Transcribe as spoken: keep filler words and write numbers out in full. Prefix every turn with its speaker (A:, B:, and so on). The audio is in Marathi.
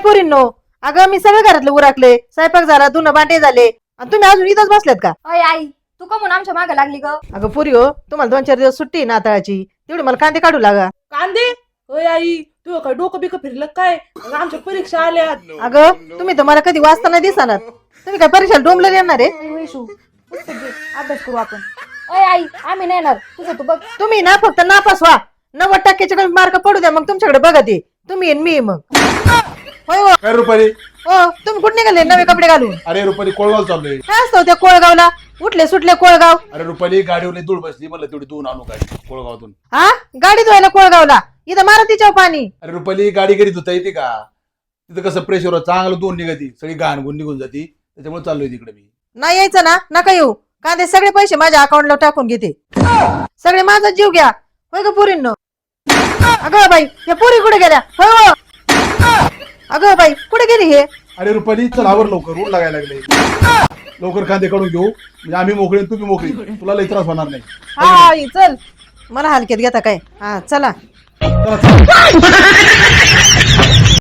A: पोरींनो, अगं मी सगळं घरातलं उरकले, स्वयंपाक झाला, धुणं भांडे झाले आणि तुम्ही अजून इथंच बसल्यात का?
B: अय आई तू का म्हणून आमच्या मागे लागली ग?
A: अगं पोरी हो, तुम्हाला दोन चार दिवस सुट्टी आहे नाताळाची, तेवढी मला कांदे काढू लागा.
C: कांदे? होय आई, तू काय डोकं बिकं फिरलं काय? अगं, आमच्या परीक्षा आल्यात.
A: अगं तुम्ही तर मला कधी वाचताना दिसणार, तुम्ही काय परीक्षेला डोंबलं येणार आहे?
B: आई वैशू पुस्तक घे, अभ्यास करू आपण. अय आई आम्ही नाही येणार, तुझं तू बघ.
A: तुम्ही ना फक्त नापास व्हा, नव्वद टक्क्याच्या कमी मार्क पडू द्या, मग तुमच्याकडे बघा ते तुम्ही आणि मी मग. होय हो.
D: काय रुपाली?
A: हो तुम्ही कुठे निघाले नवे कपडे घालून?
D: अरे रुपाली कोळगाव चाललोय.
A: काय असतं त्या कोळगावला? उठले सुटले कोळगाव.
D: अरे रुपाली गाडीवर धूळ बसली, म्हणलं तेवढी धुवून आणू गाडी कोळगावातून.
A: हा गाडी धुवायला कोळगावला? इथं मारा तिच्यावर पाणी.
D: अरे रुपाली गाडी घरी धुता येते का? तिथं कसं प्रेशर चांगलं धुवून निघती, सगळी घाण गुण निघून जाती, त्याच्यामुळे चाललोय तिकडे मी.
A: नाही यायचं ना, नका येऊ. कांदे सगळे पैसे माझ्या अकाउंटला टाकून घेते, सगळे माझा जीव घ्या. होय ग पोरींनो? अगं बाई या पोरी कुठे गेल्या? होय हो. अगं बाई कुठे गेली हे?
D: अरे रुपाली चल आवर लवकर, ऊन लागायला लागले. लवकर कांदे काढून घेऊ, म्हणजे आम्ही मोकळे तुम्ही मोकळी, तुला लई त्रास होणार नाही.
A: हा आई, चल. मला हलक्यात घेता काय? हा चला.
D: चला, चला.